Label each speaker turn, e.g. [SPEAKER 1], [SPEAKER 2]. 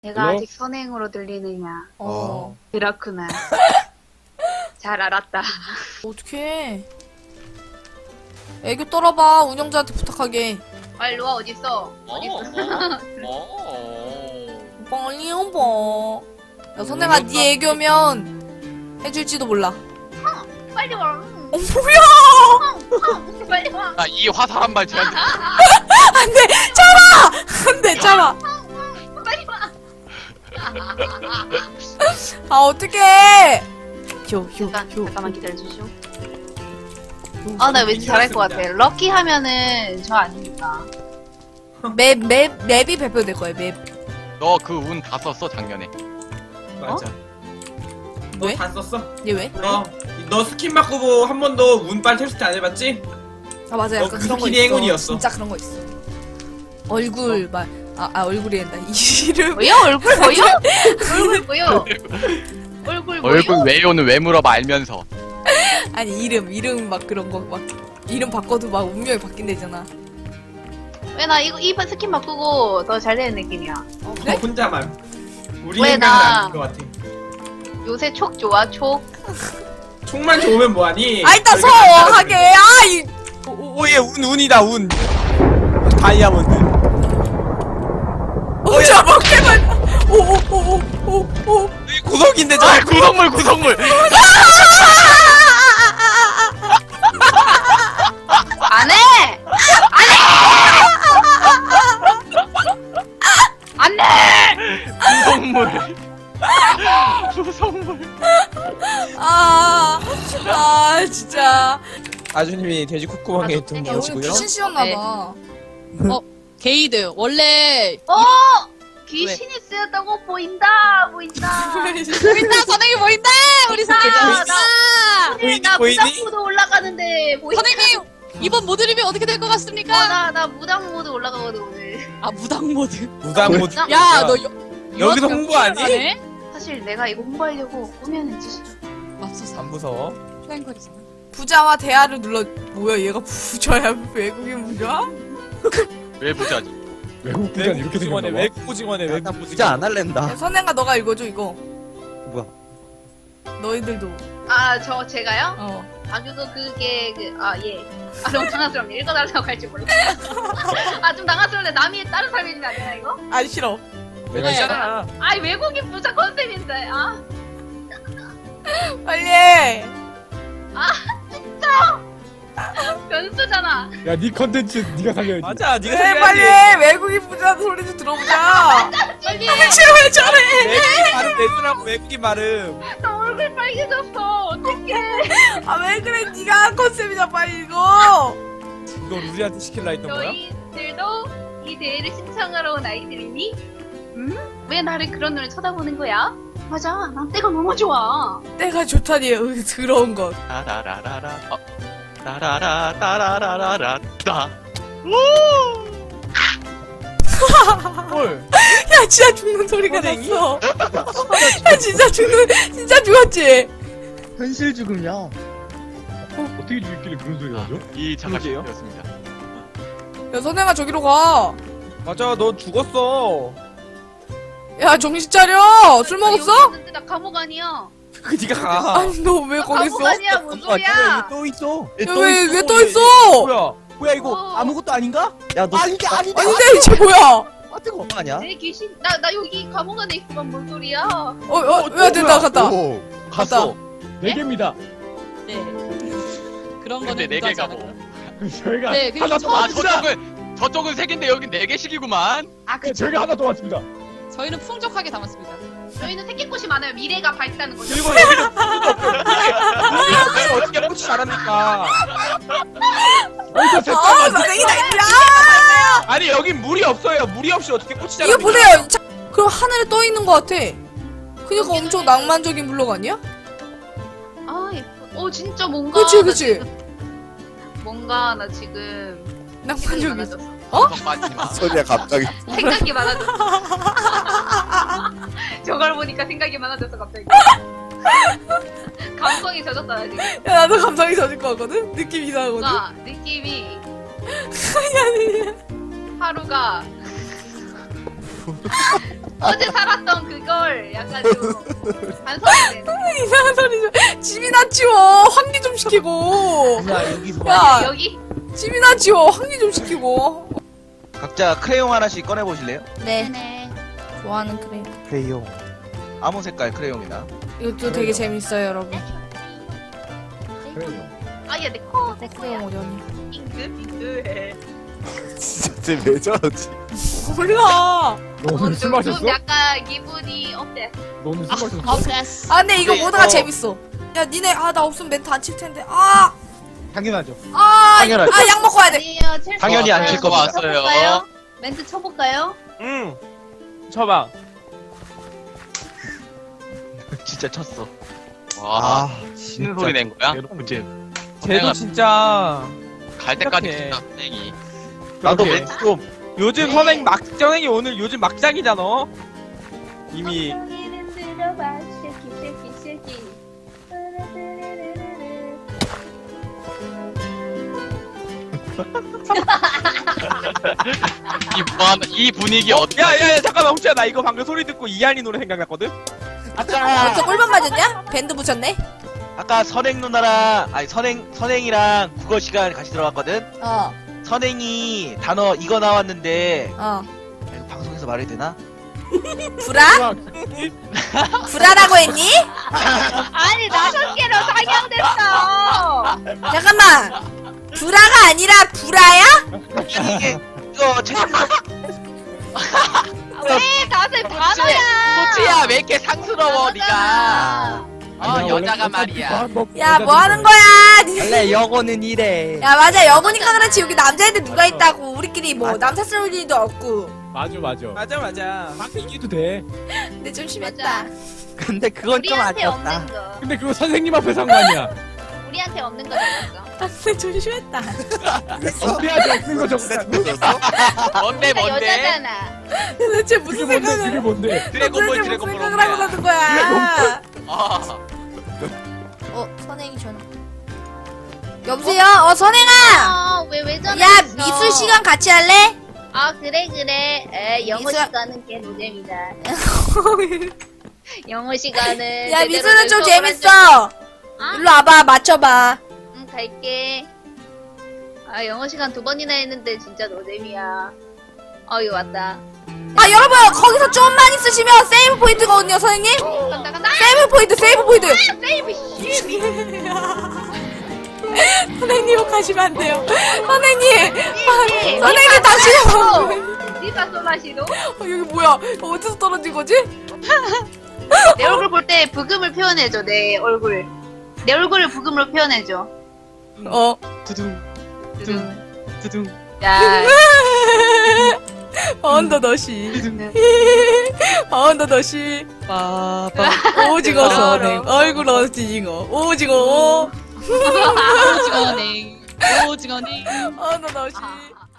[SPEAKER 1] 내가
[SPEAKER 2] 뭐?
[SPEAKER 1] 아직 선행으로 들리느냐.
[SPEAKER 2] 어.
[SPEAKER 1] 그렇구나. 잘 알았다.
[SPEAKER 3] 어떡해. 애교 떨어봐. 운영자한테 부탁하게.
[SPEAKER 1] 빨리 와, 어딨어? 어딨어?
[SPEAKER 3] 빨리 오버. 야, 선생아, 네 애교면 해줄지도 몰라.
[SPEAKER 1] 빨리 와.
[SPEAKER 3] 뭐야!
[SPEAKER 1] 빨리 와.
[SPEAKER 4] 나 이 화살 한 발 제한.
[SPEAKER 3] 안 돼! 참아! 안 돼, 참아!
[SPEAKER 1] 빨리 와.
[SPEAKER 3] 아, 어떡해!
[SPEAKER 1] 잠깐만 기다려주시오. 아, 나 왠지 잘할 것 같아. 럭키 하면은 저 아닙니까?
[SPEAKER 3] 맵이 발표될 거야, 맵.
[SPEAKER 4] 너 그 운 다 썼어 작년에.
[SPEAKER 2] 맞아.
[SPEAKER 3] 왜?
[SPEAKER 2] 너 다 썼어?
[SPEAKER 3] 얘 왜?
[SPEAKER 2] 너 스킨 바꾸고 한 번도 운빨 테스트 안 해봤지?
[SPEAKER 3] 아, 맞아.
[SPEAKER 2] 너
[SPEAKER 3] 약간
[SPEAKER 2] 그
[SPEAKER 3] 그런 거
[SPEAKER 2] 스킨이
[SPEAKER 3] 있어.
[SPEAKER 2] 행운이었어.
[SPEAKER 3] 진짜 그런 거 있어. 얼굴, 얼굴이 된다. 이름.
[SPEAKER 1] 뭐요? 얼굴 뭐요? 얼굴 뭐요? 얼굴 뭐요?
[SPEAKER 4] 얼굴 외요는 왜 물어봐 알면서.
[SPEAKER 3] 아니, 이름 막 그런 거, 막. 이름 바꿔도 막 운명이 바뀐대잖아.
[SPEAKER 1] 왜 나 이번 스킨 바꾸고 더 잘 되는 느낌이야.
[SPEAKER 3] 어,
[SPEAKER 2] 너
[SPEAKER 3] 그래?
[SPEAKER 2] 혼자만. 우리
[SPEAKER 1] 왜
[SPEAKER 2] 생각은
[SPEAKER 1] 나-
[SPEAKER 2] 아닌 것 같아.
[SPEAKER 1] 요새 촉 좋아, 촉.
[SPEAKER 2] 총만 좋으면 뭐하니?
[SPEAKER 3] 아, 일단 서! 하게! 아, 이.
[SPEAKER 5] 오예 운이다 운 다이아몬드.
[SPEAKER 3] 자, 먹게만. 오.
[SPEAKER 5] 구석인데 저.
[SPEAKER 4] 아 구성물.
[SPEAKER 1] 안 해! 안 해!
[SPEAKER 4] 구성물.
[SPEAKER 3] 아, 진짜.
[SPEAKER 5] 아주님이 돼지 콧구멍에
[SPEAKER 1] 아,
[SPEAKER 5] 등
[SPEAKER 1] 야,
[SPEAKER 3] 야, 오늘
[SPEAKER 5] 넣으시고요.
[SPEAKER 3] 귀신 씌웠나봐.
[SPEAKER 6] 게이드 원래
[SPEAKER 1] 귀신이 쓰였다고 보인다.
[SPEAKER 6] 보인다 선생님 보인다 우리 선생님
[SPEAKER 5] 보이니,
[SPEAKER 1] 나
[SPEAKER 5] 보이니?
[SPEAKER 1] 무당 모드 올라가는데 보인다.
[SPEAKER 6] 선생님 이번 모드 리뷰 어떻게 될 것 같습니까?
[SPEAKER 1] 나 무당 모드 올라가거든 오늘.
[SPEAKER 6] 아 무당 모드
[SPEAKER 5] 무당 모드.
[SPEAKER 6] 야너
[SPEAKER 5] 여기서 홍보 아니?
[SPEAKER 1] 사실 내가 이거 홍보하려고 꾸며냈지.
[SPEAKER 6] 맙소사
[SPEAKER 5] 안 무서워.
[SPEAKER 6] 플랭거리잖아
[SPEAKER 3] 부자와 대화를 눌러. 뭐야, 얘가 부자야? 외국인 부자?
[SPEAKER 4] 왜 부자지?
[SPEAKER 2] 외국 부자는 이렇게
[SPEAKER 5] 오징어네
[SPEAKER 2] 생겼나 봐.
[SPEAKER 5] 외국 오징어네 외국
[SPEAKER 7] 부자
[SPEAKER 5] 오징어.
[SPEAKER 7] 안 할랜다.
[SPEAKER 3] 야, 선행아, 너가 읽어줘, 이거.
[SPEAKER 7] 뭐야?
[SPEAKER 3] 너희들도.
[SPEAKER 1] 제가요? 그거 그게 예. 너무 당황스럽네. 읽어달라고 할지 몰랐어. 좀 당황스러운데 남이 다른 사람이 있는 거 아니야 이거?
[SPEAKER 3] 아, 싫어.
[SPEAKER 5] 내가 있잖아.
[SPEAKER 1] 외국인 부자 컨셉인데.
[SPEAKER 3] 빨리 해.
[SPEAKER 1] 변수잖아.
[SPEAKER 2] 야, 네 컨텐츠 네가 살려야지.
[SPEAKER 5] 맞아 네가
[SPEAKER 3] 해, 빨리 해. 외국인 부자 소리 좀 들어보자.
[SPEAKER 1] 빨리.
[SPEAKER 3] 왜 저래?
[SPEAKER 5] 외국인 발음 내주라고 외국인 발음.
[SPEAKER 1] 나 얼굴 빨개졌어. 어떡해.
[SPEAKER 3] 아, 왜 그래? 네가 한 컨셉이잖아, 빨리 이거.
[SPEAKER 5] 너 루리한테 시킬라 했던 거야?
[SPEAKER 1] 너희들도 이 대회를 신청하러 온 아이들이니? 왜 나를 그런 눈을 쳐다보는 거야? 맞아. 난 때가 너무 좋아.
[SPEAKER 3] 때가 좋다니, 더러운 것.
[SPEAKER 4] 따라라라라. 따라라라라라라. 따.
[SPEAKER 5] 헐.
[SPEAKER 3] 야, 진짜 죽는 소리가
[SPEAKER 5] 선생님?
[SPEAKER 3] 났어. 야, 진짜 죽었지?
[SPEAKER 7] 현실 죽음이야.
[SPEAKER 2] 어떻게 죽였길래 그런 소리가 나죠?
[SPEAKER 4] 이
[SPEAKER 5] 그러게요.
[SPEAKER 4] 장갑이었습니다.
[SPEAKER 3] 야, 선행아, 저기로 가.
[SPEAKER 5] 맞아 너 죽었어.
[SPEAKER 3] 야, 정신 차려. 술 먹었어?
[SPEAKER 1] 여기 있는데 나 감옥 아니야.
[SPEAKER 5] 그 니가 가.
[SPEAKER 3] 아니, 너 왜 거기 있어?
[SPEAKER 1] 감옥 아니야. 뭔 소리야?
[SPEAKER 7] 또 있어.
[SPEAKER 3] 야, 왜 또 있어?
[SPEAKER 5] 뭐야?
[SPEAKER 7] 뭐야 이거
[SPEAKER 1] 어.
[SPEAKER 7] 아무것도 아닌가? 야 너
[SPEAKER 5] 아닌데, 아닌데.
[SPEAKER 3] 아닌데, 이제 뭐야?
[SPEAKER 7] 아 뜨거 아니야?
[SPEAKER 1] 내 귀신. 나 여기 감옥 안에 있구만. 뭔 소리야?
[SPEAKER 3] 야, 됐다, 갔다.
[SPEAKER 7] 오.
[SPEAKER 3] 갔다.
[SPEAKER 2] 네 개입니다.
[SPEAKER 6] 네 그런
[SPEAKER 4] 근데
[SPEAKER 6] 거는
[SPEAKER 4] 네 개가
[SPEAKER 6] 무가지
[SPEAKER 4] 뭐?
[SPEAKER 6] 않아요.
[SPEAKER 2] 저희가
[SPEAKER 6] 네, 그게
[SPEAKER 2] 하나 더
[SPEAKER 4] 아
[SPEAKER 2] 왔습니다.
[SPEAKER 4] 저쪽은 세 개인데 여긴 네 개씩이구만.
[SPEAKER 1] 그쵸.
[SPEAKER 2] 저희가 하나 더 왔습니다.
[SPEAKER 6] 저희는 풍족하게 담았습니다
[SPEAKER 1] 저희는 새끼꽃이 많아요. 미래가 밝다는 거죠.
[SPEAKER 5] 그리고 여기는 우리가 어떻게 꽃이 자랍니까?
[SPEAKER 2] 어디서
[SPEAKER 3] 아, 선생이다, 야!
[SPEAKER 5] 아니 여긴 물이 없어요. 물이 없이 어떻게 꽃이
[SPEAKER 3] 이거
[SPEAKER 5] 자랍니까?
[SPEAKER 3] 보세요. 그럼 하늘에 떠 있는 것 같아. 그니까 엄청 낭만적인 블록 아니야?
[SPEAKER 1] 예뻐. 진짜 뭔가.
[SPEAKER 3] 그치,
[SPEAKER 1] 나
[SPEAKER 3] 그치.
[SPEAKER 1] 지금 뭔가 나 지금 생각이
[SPEAKER 3] 낭만적인.
[SPEAKER 1] 많아졌어.
[SPEAKER 4] 빠지지 마.
[SPEAKER 7] 소리야 갑자기.
[SPEAKER 1] 생각이 많아졌어. 저걸 보니까 생각이 많아졌어 갑자기. 감성이 젖었다 나 지금.
[SPEAKER 3] 야, 나도 감성이 젖을 것 같거든? 느낌 이상하거든?
[SPEAKER 1] 뭔가 느낌이 하루가 어제 살았던 그걸 약간 좀 반성이 되네.
[SPEAKER 3] 이상한 소리 좀. 집이나 치워. 환기 좀 시키고.
[SPEAKER 7] 야 여기서
[SPEAKER 3] 야,
[SPEAKER 1] 여기
[SPEAKER 3] 집이나 치워. 환기 좀 시키고.
[SPEAKER 7] 각자 크레용 하나씩 꺼내 보실래요?
[SPEAKER 3] 네.
[SPEAKER 1] 네.
[SPEAKER 3] 좋아하는 크레용.
[SPEAKER 7] 크레용. 아무 색깔 크레용이나.
[SPEAKER 3] 이것도 되게 재밌어요, 여러분.
[SPEAKER 1] 아야 내 코.
[SPEAKER 3] 내 크레용 오려니.
[SPEAKER 1] 잉크.
[SPEAKER 8] 진짜 쟤왜 저러지?
[SPEAKER 3] 몰라.
[SPEAKER 1] 너는 술 마셨어? 좀 약간 기분이 어때?
[SPEAKER 8] 너는 술 마셨어?
[SPEAKER 6] 어플레스.
[SPEAKER 3] 아, 근데 이거
[SPEAKER 7] 근데
[SPEAKER 3] 모드가
[SPEAKER 7] 이거-
[SPEAKER 3] 재밌어. 야, 니네, 나 없으면 멘트 안 칠 텐데. 아,
[SPEAKER 8] 당연하죠.
[SPEAKER 7] 당연하죠.
[SPEAKER 3] 약 먹고 와야 돼.
[SPEAKER 1] 아니에요. 첼시
[SPEAKER 7] 당연히 안 칠
[SPEAKER 1] 멘트
[SPEAKER 7] 겁니다.
[SPEAKER 1] 쳐볼까요? 멘트 쳐볼까요?
[SPEAKER 5] 응. 쳐봐.
[SPEAKER 7] 진짜 쳤어.
[SPEAKER 4] 와,
[SPEAKER 7] 아
[SPEAKER 4] 치는 소리 낸 거야? 그치?
[SPEAKER 5] 쟤도 진짜
[SPEAKER 4] 갈 때까지
[SPEAKER 5] 어떡해.
[SPEAKER 4] 진짜 선생이.
[SPEAKER 7] 나도
[SPEAKER 5] 그렇게.
[SPEAKER 7] 멘트 좀.
[SPEAKER 5] 요즘
[SPEAKER 1] 네.
[SPEAKER 5] 선행 막정행이 오늘 요즘 막장이잖아. 이미
[SPEAKER 1] 엉덩이는 들어봐. 쉐키.
[SPEAKER 4] 이 분위기 어때?
[SPEAKER 5] 야야야 잠깐만 혹시야 나 이거 방금 소리 듣고 이한이 노래 생각났거든?
[SPEAKER 7] 아까
[SPEAKER 3] 저 꿀밤 맞았냐? 밴드 붙였네?
[SPEAKER 7] 아까 선행 누나랑 아니 선행이랑 국어 시간 같이 들어갔거든.
[SPEAKER 3] 어,
[SPEAKER 7] 선행이 단어 이거 나왔는데
[SPEAKER 3] 어.
[SPEAKER 7] 아, 이거 방송에서 말해도 되나?
[SPEAKER 3] 불아? 불아라고 했니?
[SPEAKER 1] 아니 5개로 상향됐어.
[SPEAKER 3] 잠깐만. 불아가 아니라 불아야?
[SPEAKER 7] 아니 이게 이거 채팅
[SPEAKER 1] 왜 다들 단어야?
[SPEAKER 4] 소치야 왜 이렇게 상스러워 네가?
[SPEAKER 1] 단어잖아.
[SPEAKER 4] 여자가 말이야.
[SPEAKER 3] 야, 뭐 하는 거야?
[SPEAKER 7] 원래 영어는 이래.
[SPEAKER 3] 야, 맞아. 여보니까 그렇지. 여기 남자애들 누가 있다고. 우리끼리 뭐 남사스러울 일도 없고.
[SPEAKER 8] 맞아.
[SPEAKER 5] 맞아.
[SPEAKER 8] 막 이기도 돼.
[SPEAKER 3] 근데 좀 심했다.
[SPEAKER 1] 맞아.
[SPEAKER 7] 근데 그건 좀
[SPEAKER 1] 우리한테
[SPEAKER 7] 아니었다.
[SPEAKER 1] 없는 거.
[SPEAKER 8] 근데 그거 선생님 앞에 상관이야.
[SPEAKER 1] 우리한테 없는 거 적었어.
[SPEAKER 3] 근데 좀 심했다.
[SPEAKER 8] 언제까지 없는 거 적었어?
[SPEAKER 4] 뭔데
[SPEAKER 1] 그러니까
[SPEAKER 4] 뭔데?
[SPEAKER 1] 여자잖아.
[SPEAKER 3] 도대체
[SPEAKER 8] 그게
[SPEAKER 3] 무슨
[SPEAKER 8] 뭔데? 그게
[SPEAKER 3] 생각을.
[SPEAKER 8] 뭔데?
[SPEAKER 4] 드래곤볼
[SPEAKER 3] 도대체
[SPEAKER 4] 드래곤볼
[SPEAKER 3] 무슨 생각을 하고
[SPEAKER 4] 뭔데?
[SPEAKER 3] 나는 거야?
[SPEAKER 4] 아,
[SPEAKER 3] 선행이 전화. 여보세요? 선행아!
[SPEAKER 1] 왜 전화?
[SPEAKER 3] 야, 미술 시간 같이 할래?
[SPEAKER 1] 아 그래. 영어
[SPEAKER 3] 미술-
[SPEAKER 1] 시간은 개 노잼이다. 영어 시간은.
[SPEAKER 3] 야,
[SPEAKER 1] 제대로
[SPEAKER 3] 미술은 좀
[SPEAKER 1] 수업을 한 적이-
[SPEAKER 3] 재밌어.
[SPEAKER 1] 아?
[SPEAKER 3] 일로 와봐, 맞춰봐.
[SPEAKER 1] 응 갈게. 아 영어 시간 2번이나 했는데 진짜 노잼이야. 어유 왔다.
[SPEAKER 3] 아, 여러분, 거기서 좀만 있으시면 세이브 포인트거든요, 선생님?
[SPEAKER 1] 간다.
[SPEAKER 3] 세이브 포인트!
[SPEAKER 1] 세이브 씨.
[SPEAKER 3] 선생님 욕하시면 안 돼요. 선생님!
[SPEAKER 1] 네,
[SPEAKER 3] 선생님, 당신은
[SPEAKER 1] 니가 쏘나시도?
[SPEAKER 3] 여기 뭐야? 어디서 떨어진 거지?
[SPEAKER 1] 내 얼굴 볼 때 부금을 표현해줘. 내 얼굴을 부금으로 표현해줘.
[SPEAKER 5] 두둥 두둥.
[SPEAKER 1] 야.
[SPEAKER 3] 언더더시. 언더더시.
[SPEAKER 5] 빠빠.
[SPEAKER 3] 오징어 선행. 얼굴 오징어. 오징어.
[SPEAKER 6] 오징어냉.
[SPEAKER 3] 언더더시.
[SPEAKER 1] 아.